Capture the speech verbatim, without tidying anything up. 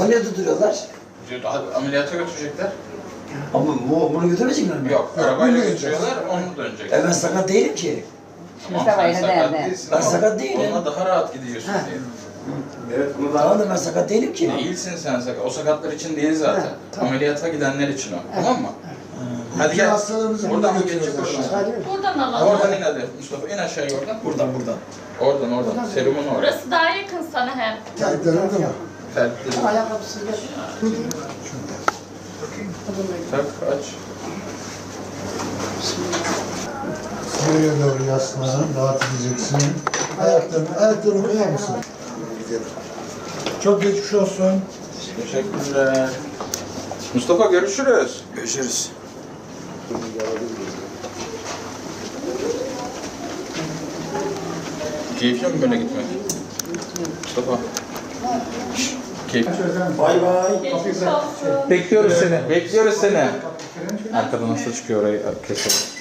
niye tutturuyorlar? Ameliyata götürecekler. Ama bu, bunu götürmeyecekler mi? Yok, arabayla götürüyorlar, onu dönecek. E ben sakat değilim ki. Tamam, Mustafa sen yine sakat derdi. değilsin Ben ama sakat değilim. onunla daha rahat gidiyorsun Ha. diye. Evet, bunu Tamam da ben sakat değilim ki. Değilsin sen sakat. O sakatlar için değil zaten. Ha, tamam. Ameliyata gidenler için o. Tamam mı? Hadi gel. Hastalarımızı Buradan mı burada geçecek götürüyoruz oradan? Buradan alalım. Oradan in hadi Mustafa. İn aşağıya oradan. Buradan buradan. Oradan oradan. Serumun orada. Burası daha yakın sana hem. Terlikler orada mı? Fertli. Ayakkabısız gel. Tak aç. Nereye doğru yaslan, rahat edeceksin. Ayaklarını, ayaklarını koyar mısın? Çok geçmiş olsun. Teşekkürler. Mustafa görüşürüz. Görüşürüz. Keyifli mi böyle gitmek? Mustafa. Keyif. Bay bay. Geçmiş olsun. Bekliyoruz seni. Bekliyoruz seni. Arkadan nasıl çıkıyor orayı keselim.